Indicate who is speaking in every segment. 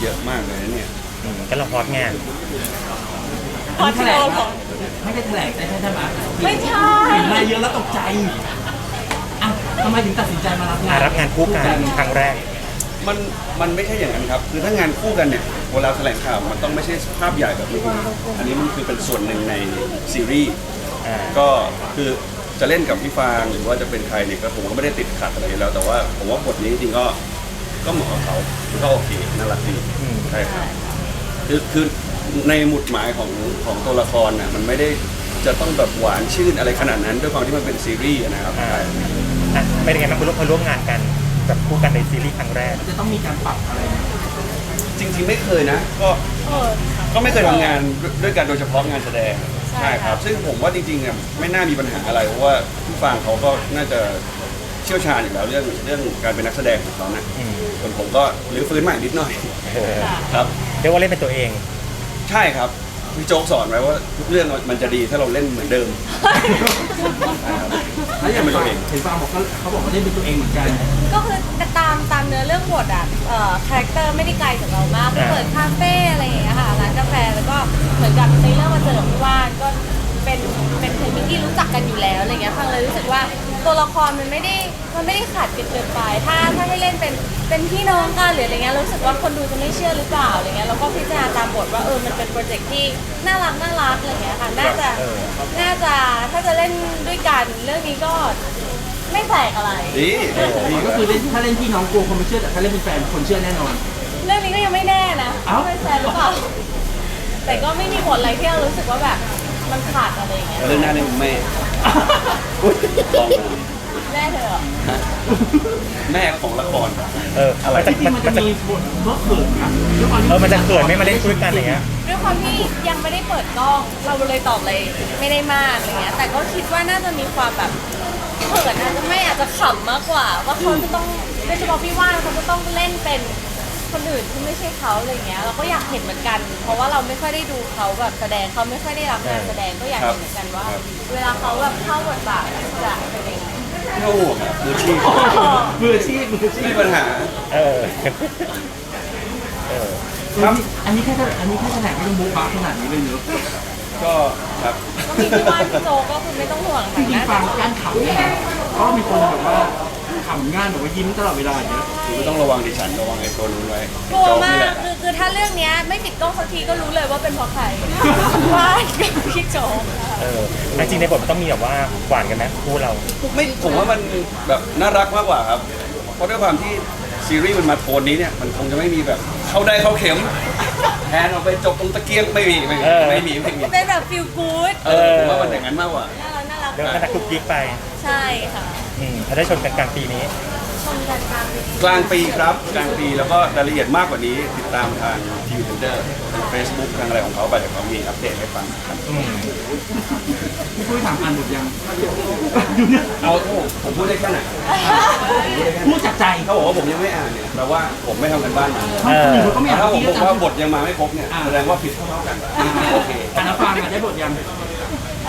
Speaker 1: เยอะมากเลยนะเนี่ย
Speaker 2: ก็เราฮอตไง
Speaker 3: พอที่เราของ
Speaker 4: ไม่ได้แถลงได้ใช่ไหม
Speaker 3: ไม่ใช่
Speaker 4: เห็นมาเยอะแล้วตกใจอ่ะทำไมถึงตัดสินใจมารับงาน
Speaker 2: รับงานคู่กันครั้งแรก
Speaker 1: มันไม่ใช่อย่างนั้นครับคือถ้างานคู่กันเนี่ยเวลาแถลงข่าวมันต้องไม่ใช่ภาพใหญ่แบบนี้อันนี้มันคือเป็นส่วนหนึ่งในซีรีส์
Speaker 2: อ่า
Speaker 1: ก็คือจะเล่นกับพี่ฟางหรือว่าจะเป็นใครเนี่ยก็ผมก็ไม่ได้ติดขัดอะไรอยู่แล้วแต่ว่าผมว่าบทนี้จริงๆก็เหมาะกับเขาก็โอเคน่ารักดีใช่ครับคือในหมุดหมายของตัวละครน่ะมันไม่ได้จะต้องแบบหวานชื่นอะไรขนาดนั้นด้วยความที่มันเป็นซีรีส์นะครับ
Speaker 2: เป็นยังไงบ้างคุณลูกพอร่วมงานกันกับคู่กันในซีรีส์ครั้งแรก
Speaker 4: มันจะต้องมีการปรับอะไรไหม
Speaker 1: จริงๆไม่เคยนะก็ไม่เคยทำงานด้วยกันโดยเฉพาะงานแสดงใช่ครับซึ่งผมว่าจริงๆเนี่ยไม่น่ามีปัญหาอะไรเพราะว่าพี่ฟางเขาก็น่าจะเชี่ยวชาญอยู่แล้วเรื่องการเป็นนักแสดงของเขานะส่วนผมก็รื้อฟื้นใหม่นิดหน่อยครับ
Speaker 2: เรียกว่าเล่นเป็นตัวเอง
Speaker 1: ใช่ครับพี่โจ๊กสอนไว้ว่าทุกเรื่องมันจะดีถ้าเราเล่นเหมือนเดิม
Speaker 4: แล้วอย่างฟางเห็นฟางบอกเขาบอกว่าได้เป็นตัวเองเหมือนกัน
Speaker 3: ก็คือตามเนื้อเรื่องบทอ่ะคาแรคเตอร์ไม่ได้ไกลจากเรามากไปเปิดคาเฟ่อะไรอย่างเงี้ยค่ะร้านกาแฟแล้วก็เหมือนกับในเรื่องมาเจอกับพี่ว่านก็เป็นเพลงที่รู้จักกันอยู่แล้วอะไรเงี้ยฟังเลยรู้สึกว่าตัวละครมันไม่ได้ขาดกันเกินไปถ้าให้เล่นเป็นพี่น้องกันหรืออะไรเงี้ยรู้สึกว่าคนดูจะไม่เชื่อหรือเปล่าอะไรเงี้ยแล้วก็พิจารณาตามบทว่ามันเป็นโปรเจกต์ที่น่ารักอะไรเงี้ยค่ะน่าจะถ้าจะเล่นด้วยกันเรื่องนี้ก็ไม่แปลกอะไร
Speaker 1: ดี
Speaker 4: ก็คือถ้าเล่นพี่น้องกลัวคนไม่เชื่อแต่ถ้าเล่นเป็นแฟนคนเชื่อแน่นอน
Speaker 3: เรื่องนี้ก็ยังไม่แน่นะ
Speaker 4: เอ้า
Speaker 3: ว่าเป็นแฟนหรือเปล่าแต่ก็ไม่มีบทอะไรที่เรารู้สึกว่าแบบมันขาดอะไรอย่างเงี้ย
Speaker 1: เรื่องหน้าเล่นแม่ลองดู
Speaker 3: แน่เธอเหรอ
Speaker 1: แม่ของละคร
Speaker 2: อะไร
Speaker 4: จริงๆมันจะมีบทเขินนะด้วยความที่
Speaker 2: มันจะเขินไม่มาเล่นคู่กันอย่างเงี้ย
Speaker 3: ด้วยความที่ยังไม่ได้เปิดกล้องเราเลยตอบอะไรไม่ได้มากอะไรเงี้ยแต่ก็คิดว่าน่าจะมีความแบบเขินอาจจะขำมากกว่าว่าเขาจะต้องโดยเฉพาะพี่ว่านเขาจะต้องเล่นเป็นคนอื่นที่ไม่ใช่เขาอะไรเงี้ยเราก็อยากเห็นเหมือนกัน เพราะว่าเราไม่ค่อยได้ดูเขาแบบแสดงเขาไม่ค่อยได้รับงานแสดงก็อยากเห็นเหมือนกันว่า เวลาเขาแบบเข้าบทบาทจะเป็นยังไง
Speaker 1: ไม่ต้องห่วงครับมืออาชีพ
Speaker 4: มืออาชีพ
Speaker 1: ไม่มีปัญหา
Speaker 2: เออ
Speaker 1: ครับ
Speaker 4: อันนี้แค่แถลงไม่ต้องบุ๊กบักขนาดนี้เลยเนอะ
Speaker 1: ก็ครับ
Speaker 3: ก็มีพี่ว่านพี่โจก็คือไม่ต้องห่วง
Speaker 4: จริงๆฟังการขำเนี่ยเพราะมีคนแบบว่าขำง่ายแบบว่ายิ้มตลอดเวลาอย่างเงี้ย
Speaker 1: คือไม่ต้องระวังดิฉันระวังไอ้ตัวนู้นไว้
Speaker 3: กลัว
Speaker 1: โจ๊
Speaker 3: มา
Speaker 1: นี่แห
Speaker 3: ก
Speaker 1: ละ
Speaker 3: คือถ้าเรื่องเนี้ยไม่ปิดกล้องสักทีก็รู้เลยว่าเป็นเพราะใครว่านกับพี่โจ
Speaker 2: จริงในบทมันต้องมีแบบว่าหวานกันไหมคู่เรา
Speaker 1: ไม่ผมว่ามันแบบน่ารักมากกว่าครับ เพราะด้วยความที่ซีรีส์มันมาโทนนี้เนี่ยมันคงจะไม่มีแบบเข้าได้เข้าเข็มแทนออกไปจบตรงตะเกียงไม่มี
Speaker 3: เป็นแบบฟิลกู๊ด
Speaker 1: ผมว่ามันอย่างนั้นมากกว่า
Speaker 3: น่ารัก
Speaker 2: เดี๋ยวมันจะคุกกิ๊กไป
Speaker 3: ใช่ค่ะ
Speaker 2: ถ้าได้ชมกันกลางปีนี้
Speaker 3: ชมกันตาม
Speaker 1: กลางปีครับกลางปีแล้วก็รายละเอียดมากกว่านี้ติดตามทางทีวีเทนเดอร์ทาง Facebook ทางอะไรของเขาไปเดี๋ยวเขามีอัปเดตให้ฟังครับ
Speaker 4: พี่ปุ้ยถามอ่านบทยังอยู่เนี่ย
Speaker 1: เอาผมพูดได้แค่ไหน
Speaker 4: พูดจากใจ
Speaker 1: เขาบอกว่าผมยังไม่อ่านเนี่ยแปลว่าผมไม่ทำกันบ้านมา
Speaker 4: คนอื่นเขาก็ไม่อ่าน
Speaker 1: ถ้าผม
Speaker 4: พี่
Speaker 1: บ
Speaker 4: ก็
Speaker 1: อกว่า
Speaker 4: จำ
Speaker 1: บทยังมาไม่ครบเนี่ยแสดงว่าผิดเท่ากันโอเค
Speaker 4: อ่านแล้วฟังอ่ะได้บทยัง
Speaker 3: เอ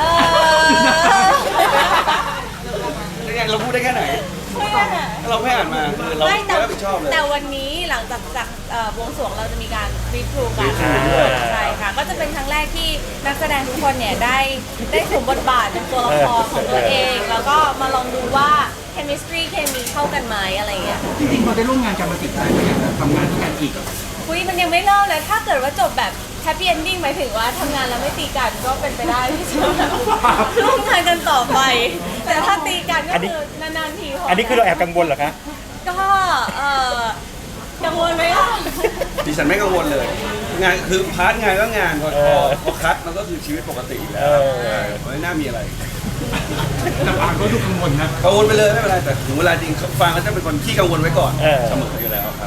Speaker 3: อ
Speaker 1: เราพูดได้แค่ไหนถ้าเราไม่อ่านมาคือเรา
Speaker 3: ไม่
Speaker 1: ไม่รับผิดชอบเลย
Speaker 3: แต่วันนี้หลังจากบวงสรวงเราจะมีการรีทรูกัน
Speaker 1: ด้วย
Speaker 3: ใช่ค่ะ ก็จะเป็นครั้งแรกที่นักแสดงทุกคนเนี่ยได้สวมบทบาทเป็นตัวละครของตัวเอง แล้วก็มาลองดูว่า chemistry เคมีเข้ากันไหมอะไรอย่างเงี้ย
Speaker 4: จริงๆพอได้ร่วมงานกันมาติดใจไหมอยากจะทำงานด้วยกันอีก
Speaker 3: คุยมันยังไม่เล่าเลย ถ้าเกิดว่าจบแบบ happy ending หมายถึงว่าทำงานแล้วไม่ตีกันก็เป็นไปได้ที่จะร่วมงานกันต่อไป แต่ถ้าตีกันก็คือนานๆทีพอ
Speaker 2: อันนี้คือเราแอบกังวลเหรอคะ
Speaker 3: ก็กังวลไหมล่ะ
Speaker 1: ดิฉันไม่กังวลเลย งานคือพาร์ทงานก็งานพอคัดมันก็คือชีวิตปกติอยู่แล้วไม่น่ามีอะไร
Speaker 4: แต่ฟังก็ดูกังวลนะ
Speaker 1: กังวลไปเลยไม่เป็นไรแต่ถึงเวลาจริงฟังก็จะเป็นคนขี้กังวลไว้ก่อนเสมออยู่แล้วครับ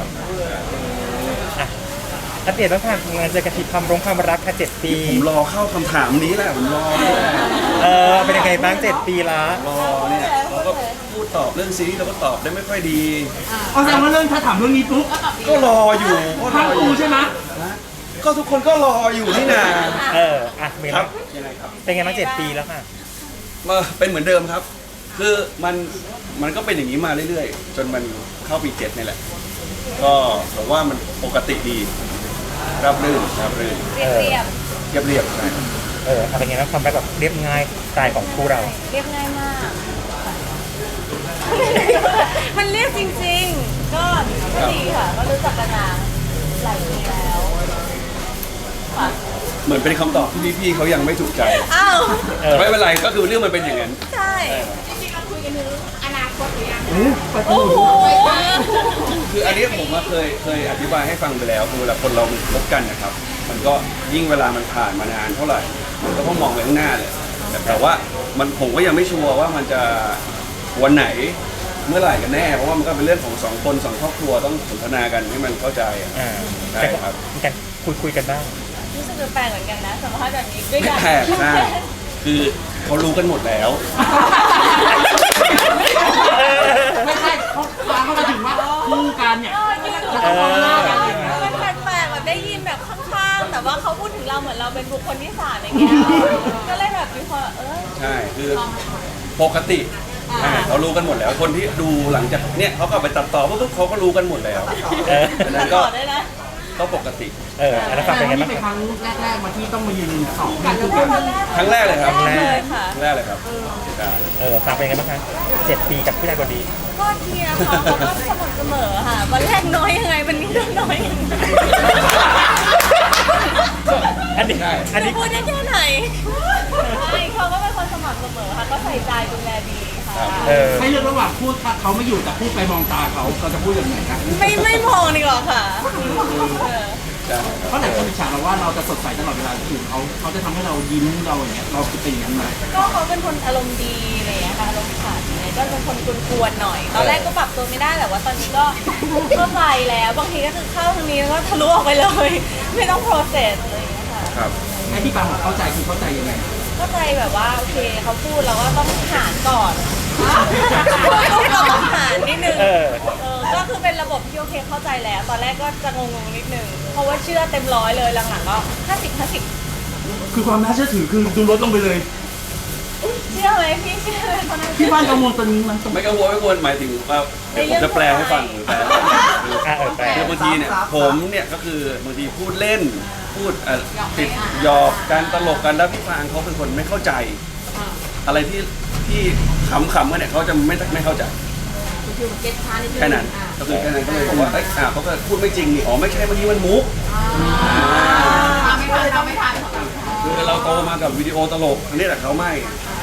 Speaker 2: อัปเดตบ้างค่ะงานเจอกันทีความรักค่ะ7 ปี
Speaker 1: ผมรอเข้าคำถามนี้แหละผมรอนี่แหละ
Speaker 2: เป็นยังไงบ้าง7 ปีละ
Speaker 1: รอเนี่ยเราก็พูดตอบเรื่องซีรีส์เราก็ตอบได้ไม่ค่อยดี
Speaker 4: เอาแสดงว่าเรื่องถ้าถามเรื่องนี้ปุ๊บ
Speaker 1: ก็รออยู่ก็ร
Speaker 4: ทาง
Speaker 1: ออ
Speaker 4: กู
Speaker 1: ยู่
Speaker 4: ใช่ไหม
Speaker 1: นะก็ทุกคนก็รออยู่นี่นา
Speaker 2: เป็น
Speaker 1: ครับยังไงครับ
Speaker 2: ไงบ้าง7 ปีแล้วค่ะ
Speaker 1: เป็นเหมือนเดิมครับ คือมันก็เป็นอย่างนี้มาเรื่อยๆ จนมันเข้าปี7นี่แหละ ก็ผมว่ามันปกติดีรับรื่นรับรื่น
Speaker 3: เรียบเรียบ
Speaker 1: เรียบเรียบใช่ครับ
Speaker 2: อะไรเงี้ยนะความแบบเรียบง่ายสไตล์ของคู่เรา
Speaker 3: เรียบง่ายมาก มันเรียบจริงๆ ก็ดีค่ะ ก็รู้จักกันมาหลายปีแล้วค่ะ
Speaker 1: เหมือนเป็นคำตอบที่พี่ๆเขายังไม่ถูกใจ
Speaker 3: อ้าว
Speaker 1: แต่ไม่เป็นไรก็คือเรื่องมันเป็นอย่างนั้น
Speaker 3: ใช่
Speaker 4: ไป
Speaker 3: โอ้โห
Speaker 1: คืออันนี้ผมมาเคยอธิบายให้ฟังไปแล้วคือเวลาคนเราคบกันนะครับ มันก็ยิ่งเวลามันผ่านมานานเท่าไหร่มันก็ต้องมองไปข้างหน้าเลยแต่ว่าผมก็ยังไม่ชัวร์ว่ามันจะวันไหนเมื่อไหร่กันแน่เพราะว่ามันก็เป็นเรื่องของสองคนสองครอบครัวต้องสนทนากันให้มันเข้าใจอะ ใช่ครับ
Speaker 2: มีการคุยกันบ้าง
Speaker 3: รู้สึกแปลกเหมือนกันนะสัมภาษณ์แบบนี้ด้วยกัน
Speaker 1: แปลกใช่คือเขารู้กันหมดแล้ว
Speaker 4: ไม่ใช่เขาฟังเขาถึงว่าคู่กันเนี่ย
Speaker 3: จริง
Speaker 4: จะต้องมองหน้ากัน
Speaker 3: มันแปลกๆแบบได้ยินแบบข้างๆ แต่ว่าเขาพูดถึงเราเหมือนเราเป็นบุคคลที่สามอย่างเงี้ย ก็เลยแบบมีความ
Speaker 1: ใช่คือปกติเขารู้กันหมดแล้ว คนที่ดูหลังจากเนี่ยเขาก็เอาไปตัดต่อปุ๊บเขาก็รู้กันหมดแล้วดังนั้น
Speaker 3: ต่
Speaker 1: ก็
Speaker 3: อได้นะ
Speaker 1: ก็ปกติ
Speaker 2: อันนั้นฟั
Speaker 4: แต่
Speaker 2: งเป็นไง
Speaker 4: นี่
Speaker 2: บ้าง
Speaker 4: เป็น
Speaker 2: ค
Speaker 4: ครับ รั้งแรกๆมาที่ต้องมายืนสอง
Speaker 3: กั
Speaker 4: กัน น
Speaker 3: ตั้
Speaker 4: คู่
Speaker 3: งแต่
Speaker 4: กัน
Speaker 3: ตอนแรก
Speaker 1: ครั้งแรกเลยครับ
Speaker 3: แรกเลยค่ะ
Speaker 1: ครั้งแรกเลยครับใช่
Speaker 2: ฟังเป็นไงบ้างคะ7 ปีกับผู้ชายคนนี้
Speaker 3: ก็ดีนะคะเขาก็สม่ำเสมอค่ะ วันแรกน้อยยังไงวันนี้ก็น้อยยังไง
Speaker 2: อันนี้
Speaker 3: จะพูดได้แค่ไหนไม่เขาก็เป็นคนสม่ำเสมอค่ะ ก็ใส่ใจดูแลดีค่ะ
Speaker 4: ให้เลือกระหว่างพูดเขาไม่อยู่แต่พูดไปมองตาเขาจะพูดอย่างไรครับ
Speaker 3: ไม่มองดีกว่าค่ะ
Speaker 1: ใช่
Speaker 4: เพราะหลายคนอิจฉาเราว่าเราจะสดใสตลอดเวลาที่อยู่เขาจะทำให้เรายิ้มเราอย่างเงี้ยเราคือเป็นอย่างนั้นไหม
Speaker 3: ก็เขาเป็นคนอารมณ์ดีอะไรอย่างเงี้ยค่ะอารมณ์ขันอะไรก็เป็นคนกวนๆหน่อย ตอนแรกก็ปรับตัวไม่ได้แต่ว่าตอนนี้ก็เข้าใจแล้วบางทีก็คือเข้าทางนี้แล้วก็ทะลุออกไปเลย ไม่ต้อง process อะไรอย่างเงี้ยค่ะ
Speaker 1: ครับ
Speaker 4: ไอ้ที่ปาบอกเข้าใจคือเข้าใจยังไง
Speaker 3: เข้าใจแบบว่าโอเคเขาพูดเราก็ต้องหารก่อนเราต้องหารนิดนึงก็คือเป็นระบบที่โอเคเข้าใจแล้ว ตอนแรกก็จะงงๆนิดนึงเพราะว่าเชื่อเต็มร้อยเลยหลังๆก็50
Speaker 4: คือความน่าเชื่อถือคือดูลดลงไปเลย
Speaker 3: เชื่อไหมพี่เชื่อเลยคนนั้น
Speaker 4: ที่บ้านกังวลตอนนี้มัน
Speaker 1: ไม่กังวลไม่กังวลหมายถึงว่าเดี๋ยวผมจะแปลให้ฟังหรือแปล
Speaker 2: แปล
Speaker 1: คือบางทีเนี่ยผมเนี่ยก็คือบางทีพูดเล่นพูดติดหยอกการตลกกันแล้วพี่ฟางเขาเป็นคนไม่เข้าใจ อะไรที่ขำๆกันเนี่ยเขาจะไม่เข้าใจแค่นั้นก็คือแค่นั้นก็เลยบอกว่าเขาก็พูดไม่จริงนี่อ๋อไม่ใช่เมื่อกี้มันมุกคือเราโตมากับวิดีโอตลกอันนี้แหละเขาไม่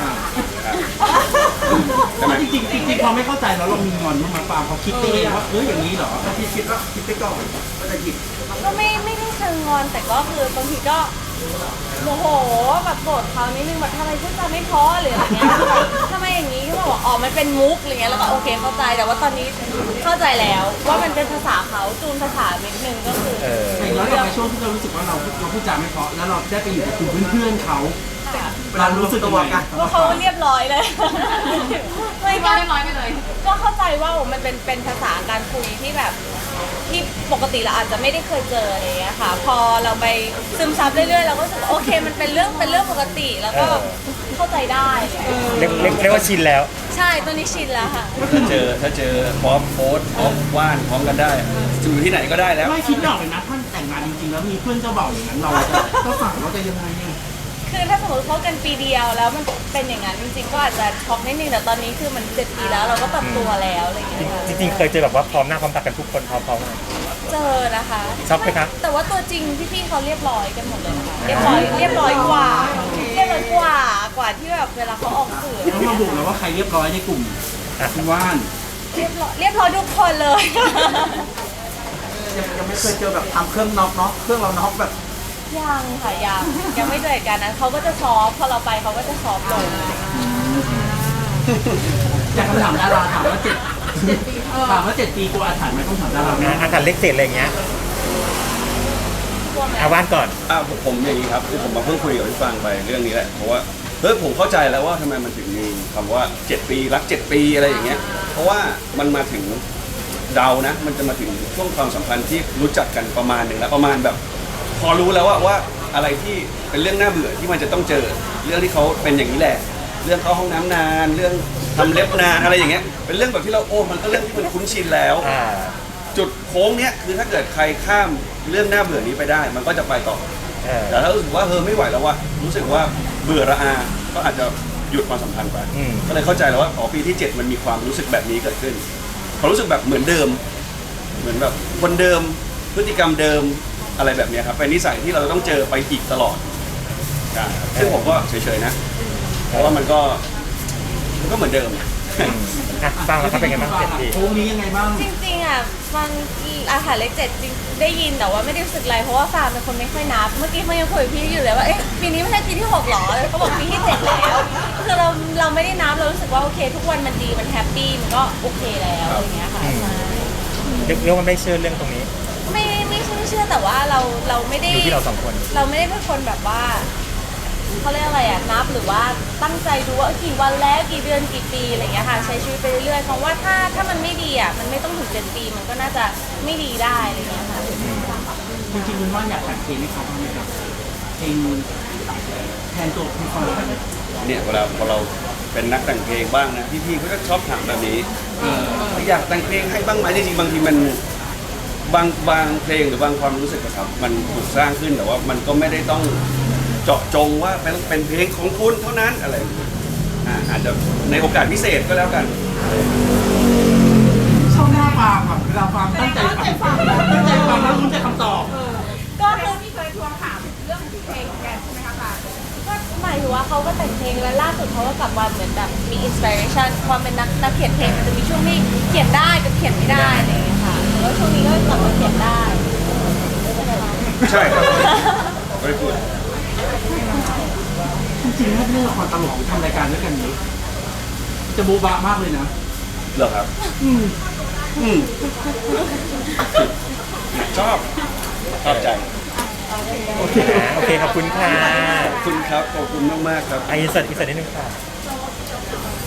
Speaker 1: ใช่ไหม
Speaker 4: จริงๆพอไม่เข้าใจแล้วเรามีงอนบ้างไหมปาเขาคิดไปเองว่าอย่างนี้เหรอพี่คิดว่าคิดไปก่อนก็จะหยิบ
Speaker 3: ก็ไม่ได้เชิงงอนแต่ก็คือบางทีก็โมโหแบบโกรธเขานิดนึงแบบทำไมพูดจาไม่เพราะหรืออะไรเงี้ยทำไมอย่างนี้ก็บอกว่าอ๋อมันเป็นมุกอะไรเงี้ยแล้วก็โอเคเข้าใจแต่ว่าตอนนี้เข้าใจแล้วว่ามันเป็นภาษาเขาจูนภาษานิดนึงก็คือ
Speaker 4: แล้วเราไปช่วงที่เรารู้สึกว่าเราพูดจาไม่เพราะแล้วเราได้ไปอยู่กับกลุ่มเพื่อนๆเขาเรารู้สึกยังไง
Speaker 3: ว่าเขาเรียบร้อยเลยไม่ก็เรียบร้อยไปเลย ก็เข้าใจว่ามันเป็นภาษาการคุยที่แบบที่ปกติเราอาจจะไม่ได้เคยเจออะไรอย่างเงี้ยค่ะ พอเราไปซึมซับเรื่อยๆเราก็รู้สึกว่าโอเคมันเป็นเรื่องปกติแล้วก็เข้าใจได้
Speaker 2: เรียกว่าชินแล้ว
Speaker 3: ใช่ตอนนี้ชินแล้วค่ะ
Speaker 1: ถ้าเจอพร้อมโพสพร้อมว่านพร้อมกันได้อยู่ที่ไหนก็ได้แล้ว
Speaker 4: ไม่คิดไม่ออกเลยนะท่านแต่งงานจริงๆแล้วมีเพื่อนเจ้าบ่าวอย่างนั้นเราจะฝั่งเราจะยังไงเนี่ย
Speaker 3: คือถ้าสมมติเขากันปีเดียวแล้วมันเป็นอย่างนั้นจริงๆก็อาจจะช็อกนิดนึงแต่ตอนนี้คือมัน7 ปีแล้วเราก็ปรับตัวแล้วอะไรอย่างเงี้ยค่ะ
Speaker 2: จริงๆเคยเจอแบบว่าพร้อมหน้าพร้อมตากันทุกคนพร้อมๆกัน
Speaker 3: เจอนะคะ
Speaker 2: ช็อกไหมครับ
Speaker 3: แต่ว่าตัวจริงพี่ๆเขาเรียบร้อยกันหมดเลยนะคะเรียบร้อยกว่าที่แบบเวลาเขาออกสื่อ
Speaker 4: ต้องมาบุกแล้วว่าใครเรียบร้อยในกลุ่มคุณว่าน
Speaker 3: เรียบร้อยทุกคนเลย
Speaker 5: ยังไม่เคยเจอแบบทำเครื่องน็อกเนาะเครื่องเราน็อกแบบ
Speaker 3: ยังค่ะยังไม่เจอเหตุการณ์นั้นเขาก็จะซอฟพอเราไปเขาก็จะซอฟลง
Speaker 4: อยากคำถามดาราถามว่า7 ปีกลัวอาถรรพ์ไหมต้องถามดารา
Speaker 2: อาถรรพ์เลขเศษอะไรอย่างเงี้ย
Speaker 3: กลัวไหม
Speaker 2: อาว่านก่อน
Speaker 1: ผมอย่างนี้ครับคือผมมาเพิ่งคุยกับพี่ฟางไปเรื่องนี้แหละเพราะว่าผมเข้าใจแล้วว่าทำไมมันถึงมีคำว่า7 ปีรัก7 ปีอะไรอย่างเงี้ยเพราะว่ามันมาถึงเดานะมันจะมาถึงช่วงความสัมพันธ์ที่รู้จักกันประมาณหนึ่งแล้วประมาณแบบพอรู้แล้วว่าอะไรที่เป็นเรื่องน่าเบื่อที่มันจะต้องเจอเรื่องที่เขาเป็นอย่างนี้แหละเรื่องเข้าห้องน้ำนานเรื่องทำเล็บนานอะไรอย่างเงี้ยเป็นเรื่องแบบที่เรามันก็เรื่องที่มันคุ้นชินแล้วจุดโค้งเนี้ยคือถ้าเกิดใครข้ามเรื่องน่าเบื่อนี้ไปได้ มันก็จะไปต่อ
Speaker 2: เออ
Speaker 1: แต่ถ้ารู้สึกว่าไม่ไหวแล้วว่ะรู้สึกว่าเบื่อระอา ก็อาจจะหยุดความสัมพันธ์ไป
Speaker 2: อืม
Speaker 1: ก็เลยเข้าใจแล้วว่าอ๋อปีที่ 7 มันมีความรู้สึกแบบนี้เกิดขึ้นความรู้สึกแบบเหมือนเดิม เหมือนแบบคนเดิมพฤติกรรมเดิมอะไรแบบเนี้ยครับเป็นนิสัยที่เราต้องเจอไปอีกตลอดใช่ครับซึ่งผมก็เฉยๆนะเพราะว่ามันก็เหมือนเดิม
Speaker 2: อ่ะฟังแล้วครับเป็นไงบ้าง7 ปี
Speaker 4: โค้งนี้ยังไงบ้าง
Speaker 3: จริงๆอ่ะฟังอาหารเลข7จริงได้ยินแต่ว่าไม่ได้รู้สึกอะไรเพราะว่าฟาร์มเป็นคนไม่ค่อยนับเมื่อกี้เขายังคุยกับพี่อยู่เลยว่าเอ๊ะปีนี้ไม่ใช่ปีที่6หรอเขาบอกปีที่7แล้วคือเราไม่ได้นับเรารู้สึกว่าโอเค ทุกวันมันดีมันแฮปปี้มันก็โอเคแล้วอะไรอย่างเงี้ยค่ะ
Speaker 2: เรียกว่าไม่เชื่อเรื่องตรงนี้
Speaker 3: ไม่เชื่อแต่ว่าเราไม่ได้
Speaker 2: อยู่ที่เราสองคน
Speaker 3: เราไม่ได้เป็นคนแบบว่าเขาเรียกอะไรอ่ะนับหรือว่าตั้งใจดูว่ากี่วันแล้วกี่เดือนกี่ปีอะไรอย่างเงี้ยค่ะใช้ชีวิตไปเรื่อยๆเพราะว่าถ้ามันไม่ดีอ่ะมันไม่ต้องถึง7 ปีมันก็น่าจะไม่ดีได้อะไรอย่างเงี้ยค่ะ
Speaker 4: จริงๆคุณว่าอยากแต่งเพลงให้เขาบ้างไหมครับเพลงแทนตัวคุณฟัง
Speaker 1: เนี่ยเวลาพอเราเป็นนักแต่งเพลงบ้างนะพี่ๆเขาก็ชอบถามแบบนี้อยากแต่งเพลงให้บ้างไหมจริงๆบางทีมันบางเพลงหรือบางความรู้สึกอะครับมันถูกสร้างขึ้นแต่ว่ามันก็ไม่ได้ต้องเจาะจงว่าเป็นเพลงของคุณเท่านั้นอะไรอย่างเงี้ยอาจจะในโอกาสพิเศษก็แล้วกัน
Speaker 4: ชอบหน้าฟังแบบเวลาฟังตั้งใจฟังแล้วรู้ใจคำตอบ
Speaker 3: ก็คือที่เคยทวงถามเรื่องเพลงแกใช่ไหมคะก็หมายถึงว่าเขาก็แต่งเพลงแล้วล่าสุดเขาก็กลับมาเหมือนแบบมีอินสปิเรชันความเป็นนักเขียนเพลงมันจะมีช่วงที่เขียนได้กับเขียนไม่ได้อะไรอย่างเงี้ยค่ะแล้วช่วงนี้ก็กลับมาเขียนได้
Speaker 1: ใช่ครับไม่ได้พูด
Speaker 4: จริงๆถ้าเล่นละครตลกหรือทำรายการด้วยกันนี้จะโบ๊ะบะมากเลยนะ
Speaker 1: เหรอครับชอบใจ
Speaker 2: โอเคโอเคขอบคุณค่ะ
Speaker 1: ขอบคุณครับขอบคุณมากๆครับ
Speaker 2: อินเสิร์ตนิดนึงค่ะ